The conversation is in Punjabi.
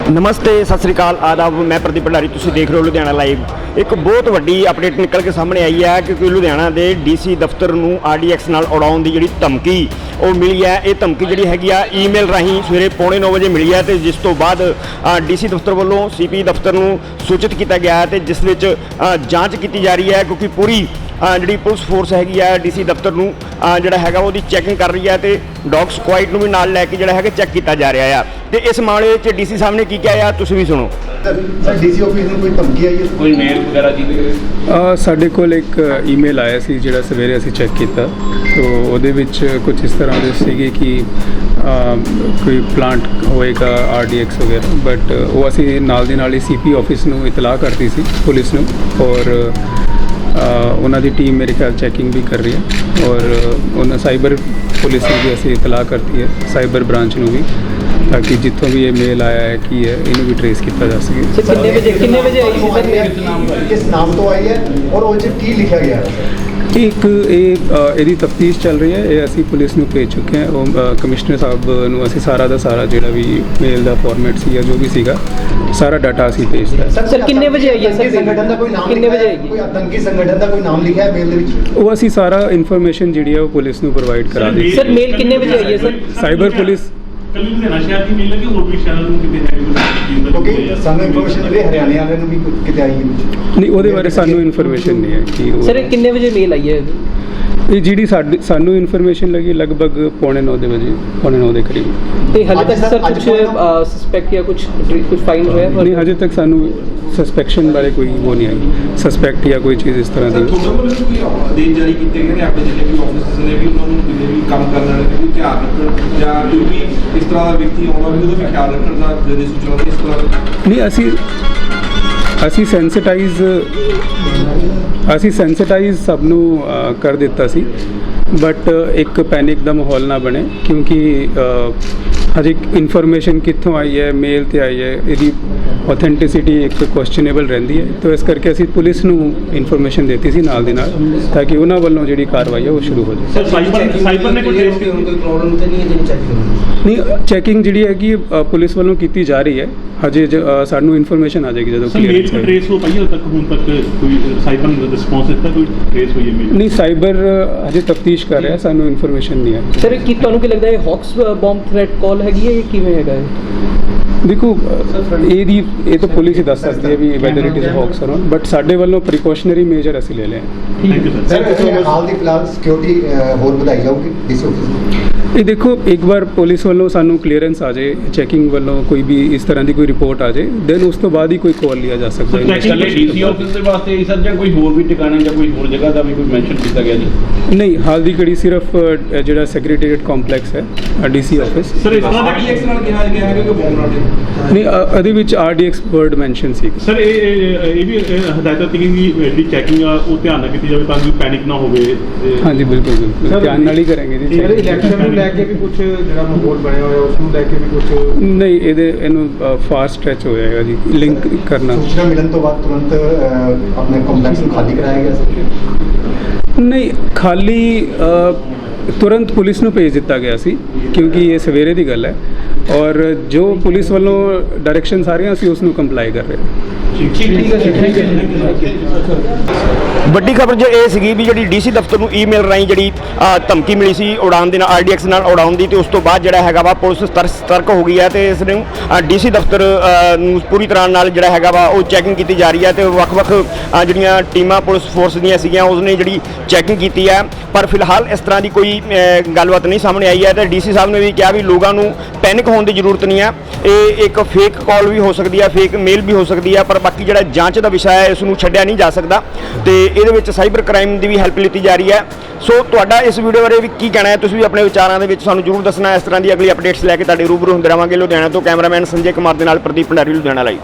नमस्ते सत श्री अकाल आदाब मैं प्रदीप भंडारी तुसीं देख रहे हो लुधियाना लाइव। एक बहुत वड्डी अपडेट निकल के सामने आई है क्योंकि लुधियाना के DC दफ्तर नूं RDX नाल उड़ाउण दी जिहड़ी धमकी वो मिली है। ये धमकी जिहड़ी हैगी आ ईमेल राहीं सवेरे 9:15 बजे मिली है, तो जिस तो बाद DC दफ्तर वालों CP दफ्तर नूं सूचित किया गया है, तो जिस विच जांच की जा रही है क्योंकि पूरी जी पुलिस फोर्स हैगी आ DC दफ्तर नूं जिहड़ा हैगा वो चैकिंग कर रही है, तो डॉग स्क्वाड नूं भी नाल लैके जिहड़ा हैगा चैक किया जा रहा है। तो इस मामले में DC साहब ने की किया है, तुसीं भी सुनो। DC ऑफिस में कोई धमकी आई है, कोई मेल वगैरह जी? ਸਾਡੇ ਕੋਲ ਇੱਕ ਈਮੇਲ ਆਇਆ ਸੀ ਜਿਹੜਾ ਸਵੇਰੇ ਅਸੀਂ ਚੈੱਕ ਕੀਤਾ, तो ਉਹਦੇ ਵਿੱਚ ਕੁਝ ਇਸ ਤਰ੍ਹਾਂ ਦੇ ਸੀਗੇ ਕਿ ਕੋਈ ਪਲਾਂਟ ਹੋਏਗਾ RDX ਵਗੈਰਾ, ਬਟ ਉਹ ਅਸੀਂ ਨਾਲ ਦੀ ਨਾਲ ਹੀ CP ਆਫਿਸ ਨੂੰ ਇਤਲਾਹ ਕਰਤੀ ਸੀ ਪੁਲਿਸ ਨੂੰ, ਔਰ ਉਹਨਾਂ ਦੀ ਟੀਮ ਮੇਰੇ ਖਿਆਲ ਚੈਕਿੰਗ ਵੀ ਕਰ ਰਹੀ ਹੈ, ਔਰ ਉਹਨਾਂ ਸਾਈਬਰ ਪੁਲਿਸ ਨੂੰ ਵੀ ਅਸੀਂ ਇਤਲਾਹ ਕਰਤੀ ਹੈ, ਸਾਈਬਰ ਬ੍ਰਾਂਚ ਨੂੰ ਵੀ, ताकि जितों भी ये मेल आया है कि है इन्हें भी ट्रेस किया जा सके। कितने बजे आई थी सर? किस नाम तो आई है और वो की लिखा गया है? एक ਇਹਦੀ ਤਫਤੀਸ਼ ਚੱਲ ਰਹੀ ਹੈ, ਇਹ ਅਸੀਂ ਪੁਲਿਸ ਨੂੰ ਭੇਜ ਚੁੱਕੇ ਹਾਂ। ਉਹ ਕਮਿਸ਼ਨਰ ਸਾਹਿਬ ਨੂੰ ਅਸੀਂ ਸਾਰਾ ਦਾ ਸਾਰਾ ਜਿਹੜਾ ਵੀ ਮੇਲ ਦਾ ਫਾਰਮੈਟ ਸੀ ਜਾਂ ਜੋ ਵੀ ਸੀਗਾ ਸਾਰਾ ਡਾਟਾ ਅਸੀਂ ਭੇਜਤਾ। ਸਰ ਕਿੰਨੇ ਵਜੇ ਆਈ ਹੈ ਸਰ? ਸੰਗਠਨ ਦਾ ਕੋਈ ਨਾਮ ਕਿੰਨੇ ਵਜੇ ਆਏਗੀ? ਕੋਈ ਆਤੰਕੀ ਸੰਗਠਨ ਦਾ ਕੋਈ ਨਾਮ ਲਿਖਿਆ ਹੈ ਮੇਲ ਦੇ ਵਿੱਚ? ਉਹ ਅਸੀਂ ਸਾਰਾ ਇਨਫੋਰਮੇਸ਼ਨ ਜਿਹੜੀ ਹੈ ਉਹ ਪੁਲਿਸ ਨੂੰ ਪ੍ਰੋਵਾਈਡ ਕਰਾ ਦਿੱਤੀ। ਸਰ ਮੇਲ ਕਿੰਨੇ ਵਜੇ ਆਈ ਹੈ ਸਰ? ਸਾਈਬਰ ਪੁਲਿਸ ਕੱਲੀ ਲੁਧਿਆਣਾ ਸ਼ਹਿਰ ਦੀ ਮਿਲ ਲੱਗੀ, ਹੋਰ ਵੀ ਸ਼ਹਿਰਾਂ ਨੂੰ ਕਿਤੇ ਹੈ ਕਿਉਂਕਿ ਸਾਨੂੰ ਇਨਫੋਰਮੇਸ਼ਨ ਮਿਲੀ ਹਰਿਆਣੇ ਵਾਲਿਆਂ ਨੂੰ ਵੀ ਕਿਤੇ ਆਈ ਹੈ। ਨਹੀਂ, ਉਹਦੇ ਬਾਰੇ ਸਾਨੂੰ ਇਨਫੋਰਮੇਸ਼ਨ ਨਹੀਂ ਹੈ ਕਿ ਸਰ ਇਹ ਕਿੰਨੇ ਵਜੇ ਮੇਲ ਆਈ ਹੈ? ਇਹ ਜਿਹੜੀ ਸਾਨੂੰ ਇਨਫੋਰਮੇਸ਼ਨ ਲੱਗੀ ਲਗਭਗ 9:15 ਵਜੇ, 9:15 ਦੇ ਕਰੀਬ। ਤੇ ਹਾਲੇ ਤੱਕ ਸਰ ਕੁਝ ਸਸਪੈਕਟ ਜਾਂ ਕੁਝ ਫਾਈਂਡ ਹੋਇਆ? ਨਹੀਂ, ਹਜੇ ਤੱਕ ਸਾਨੂੰ ਸਸਪੈਕਸ਼ਨ ਬਾਰੇ ਕੋਈ ਉਹ ਨਹੀਂ ਆਈ, ਸਸਪੈਕਟ ਜਾਂ ਕੋਈ ਚੀਜ਼ ਇਸ ਤਰ੍ਹਾਂ ਦੀ। ਆਦੇਸ਼ ਜਾਰੀ ਕੀਤੇ ਗਏ ਨੇ ਆਪਣੇ ਜਿਹੜੇ ਵੀ ਆਫਿਸਰਸ ਨੇ ਵੀ ਉਹਨਾਂ ਨੂੰ ਜਿਹੜੇ ਵੀ ਕੰਮ ਕਰਨ ਵਾਲੇ ਨੇ ਧਿਆਨ ਰੱਖਣ, ਜਾਂ ਕੋਈ ਵੀ ਇਸ ਤਰ੍ਹਾਂ ਦਾ ਵਿਅਕਤੀ ਆਉਣਾ ਵੀ ਉਹਦਾ ਵੀ ਖਿਆਲ ਰੱਖਣ ਦਾ ਜਿਹੜੇ ਸੂਚਨਾ ਇਸ ਤਰ੍ਹਾਂ ਨਹੀਂ, ਅਸੀਂ ਸੈਂਸਿਟਾਈਜ਼ ਸਭ ਨੂੰ ਕਰ ਦਿੱਤਾ ਸੀ, ਬਟ ਇੱਕ ਪੈਨਿਕ ਦਾ ਮਾਹੌਲ ਨਾ ਬਣੇ ਕਿਉਂਕਿ ਹਜੇ ਇਨਫੋਰਮੇਸ਼ਨ ਕਿੱਥੋਂ ਆਈ ਹੈ, ਮੇਲ ਤੇ ਆਈ ਹੈ, ਇਹਦੀ ऑथेंटिसिटी एक क्वेश्चनेबल रहती है, तो इस करके असी पुलिस नूं इन्फॉर्मेशन देती सी नाल दी नाल, ताकि उन्हां वल्लों जिहड़ी कार्रवाई है वो शुरू हो जाए। साइबर ने कोई प्रॉब्लम तो नहीं है जिहड़ी चेकिंग? नहीं, चेकिंग जिहड़ी है कि पुलिस वल्लों कीती जा रही है, हजे सानूं इन्फॉर्मेशन आ जाएगी जदों क्लियर मेल ट्रेस हो पाई है तक हुण तक कोई साइबर ने रिस्पांस दिता, कोई ट्रेस हुई है मेल? नहीं, साइबर हजे तफ्तीश कर रहा है, सानूं इन्फॉर्मेशन नहीं है। सर की तुहानूं की लगदा है हॉक्स बॉम्ब थ्रेट कॉल हैगी है, ये किवें हैगा है? देखो ये तो पुलिस ही दस सकती है भी वैदर इट इज़ हॉक्स और नॉट, बट साडे वालों प्रिकॉशनरी मेजर असीं ले लें। Thank you sir. हाल दी फिलहाल सिक्योरिटी होर वधाई जाऊगी DC ऑफिस? ये देखो, एक बार पुलिस वालों सानू क्लीयरेंस आ जाए, चैकिंग वालों कोई भी इस तरह की कोई रिपोर्ट आ जाए, देन उस तो बाद ही कोई कॉल लिया जा सकता है। DC ऑफिस ਦੇ ਵਾਸਤੇ ਸਰ ਜਾਂ ਕੋਈ ਹੋਰ ਵੀ ਟਿਕਾਣਾ ਜਾਂ ਕੋਈ ਹੋਰ ਜਗ੍ਹਾ ਦਾ ਵੀ ਕੋਈ ਮੈਂਸ਼ਨ ਕੀਤਾ ਗਿਆ ਜੀ? नहीं, हाल दी घड़ी सिर्फ ਜਿਹੜਾ ਸੈਕਟਰੀਏਟ ਕੰਪਲੈਕਸ ਹੈ DC ਆਫਿਸ। ਸਰ ਇਸ ਤਰ੍ਹਾਂ RDX ਨਾਲ ਕਿਹਾ ਗਿਆ ਹੈ ਕਿ ਬੋਮ ਨਾਲ ਨਹੀਂ, ਇਹਦੇ ਵਿੱਚ RDX ਵਰਡ ਮੈਂਸ਼ਨ ਸੀ। ਸਰ ਇਹ ਵੀ ਹਦਾਇਤਾਂ ਸੀ ਕਿ ਜਿਹੜੀ ਚੈਕਿੰਗ ਆ ਉਹ ਧਿਆਨ ਨਾਲ ਕੀਤੀ ਜਾਵੇ ਤਾਂ ਕਿ ਪੈਨਿਕ ਨਾ ਹੋਵੇ। ਹਾਂਜੀ, ਬਿਲਕੁਲ ਧਿਆਨ ਨਾਲ ਹੀ ਕਰਾਂਗੇ ਜੀ। ਇਲੈਕਸ਼ਨ ਨੂੰ ਲੈ ਕੇ ਵੀ ਕੁਝ ਜਿਹੜਾ ਮਾਹੌਲ ਬਣਿਆ ਹੋਇਆ ਉਸ ਨੂੰ ਲੈ ਕੇ ਵੀ ਕੁਝ ਨਹੀਂ, ਇਹਨੂੰ ਫਾਸਟ ਸਟ੍ਰੈਚ ਹੋ ਜਾਏਗਾ ਜੀ ਲਿੰਕ ਕਰਨਾ। सूचना मिलन तो बाद तुरंत अपने कॉम्प्लेक्स में खाली कराया गया? नहीं, खाली तुरंत पुलिस ਨੂੰ ਭੇਜ ਦਿੱਤਾ ਗਿਆ ਸੀ ਕਿਉਂਕਿ ਇਹ ਸਵੇਰੇ ਦੀ ਗੱਲ ਹੈ, ਔਰ ਜੋ ਪੁਲਿਸ ਵੱਲੋਂ ਡਾਇਰੈਕਸ਼ਨਸ ਆ ਰਹੀਆਂ ਅਸੀਂ ਉਸ ਨੂੰ ਕੰਪਲਾਈ ਕਰ ਰਹੇ ਹਾਂ। ਵੱਡੀ ਖਬਰ ਜੋ ਇਹ ਸੀਗੀ ਵੀ ਜਿਹੜੀ DC ਦਫ਼ਤਰ ਨੂੰ ਈਮੇਲ ਰਾਹੀਂ ਜਿਹੜੀ ਧਮਕੀ ਮਿਲੀ ਸੀ ਉਡਾਉਣ ਦੇ ਨਾਲ RDX ਨਾਲ ਉਡਾਉਣ ਦੀ, ਤੇ ਉਸ ਤੋਂ ਬਾਅਦ ਜਿਹੜਾ ਹੈਗਾ ਵਾ ਪੁਲਿਸ ਸਤਰਕ ਹੋ ਗਈ ਹੈ, ਤੇ ਇਸ ਨੂੰ DC ਦਫ਼ਤਰ ਨੂੰ ਪੂਰੀ ਤਰ੍ਹਾਂ ਨਾਲ ਜਿਹੜਾ ਹੈਗਾ ਵਾ ਉਹ ਚੈਕਿੰਗ ਕੀਤੀ ਜਾ ਰਹੀ ਹੈ, ਤੇ ਵੱਖ-ਵੱਖ ਜਿਹੜੀਆਂ ਟੀਮਾਂ ਪੁਲਿਸ ਫੋਰਸ ਦੀਆਂ ਸੀਗੀਆਂ ਉਸਨੇ ਜਿਹੜੀ ਚੈਕਿੰਗ ਕੀਤੀ ਹੈ, ਪਰ ਫਿਲਹਾਲ ਇਸ ਤਰ੍ਹਾਂ ਦੀ ਕੋਈ ਗੱਲਬਾਤ ਨਹੀਂ ਸਾਹਮਣੇ ਆਈ ਹੈ। ਤੇ DC ਸਾਹਿਬ ਨੇ ਵੀ ਕਿਹਾ ਵੀ ਲੋਕਾਂ ਨੂੰ ਪੈਨਿਕ ਹੋਣ ਦੀ ਜ਼ਰੂਰਤ ਨਹੀਂ ਹੈ, ਇਹ ਇੱਕ ਫੇਕ ਕਾਲ ਵੀ ਹੋ ਸਕਦੀ ਹੈ, ਫੇਕ ਮੇਲ ਵੀ ਹੋ ਸਕਦੀ ਹੈ, ਪਰ ਬਾਕੀ ਜਿਹੜਾ ਜਾਂਚ ਦਾ ਵਿਸ਼ਾ ਹੈ ਇਸ ਨੂੰ ਛੱਡਿਆ ਨਹੀਂ ਜਾ ਸਕਦਾ, ਤੇ ਇਹਦੇ ਵਿੱਚ ਸਾਈਬਰ ਕ੍ਰਾਈਮ ਦੀ ਵੀ ਹੈਲਪ ਲਿੱਤੀ ਜਾ ਰਹੀ ਹੈ। ਸੋ ਤੁਹਾਡਾ ਇਸ ਵੀਡੀਓ ਬਾਰੇ ਵੀ ਕੀ ਕਹਿਣਾ ਹੈ, ਤੁਸੀਂ ਵੀ ਆਪਣੇ ਵਿਚਾਰਾਂ ਦੇ ਵਿੱਚ ਸਾਨੂੰ ਜ਼ਰੂਰ ਦੱਸਣਾ। ਇਸ ਤਰ੍ਹਾਂ ਦੀ ਅਗਲੀ ਅਪਡੇਟਸ ਲੈ ਕੇ ਤੁਹਾਡੇ ਰੂਬਰੂ ਹੁੰਦੇ ਰਹਾਂਗੇ। ਲੁਧਿਆਣਾ ਤੋਂ ਕੈਮਰਾਮੈਨ ਸੰਜੇ ਕੁਮਾਰ ਦੇ ਨਾਲ ਪ੍ਰਦੀਪ ਭੰਡਾਰੀ, ਲੁਧਿਆਣਾ ਲਾਈਵ।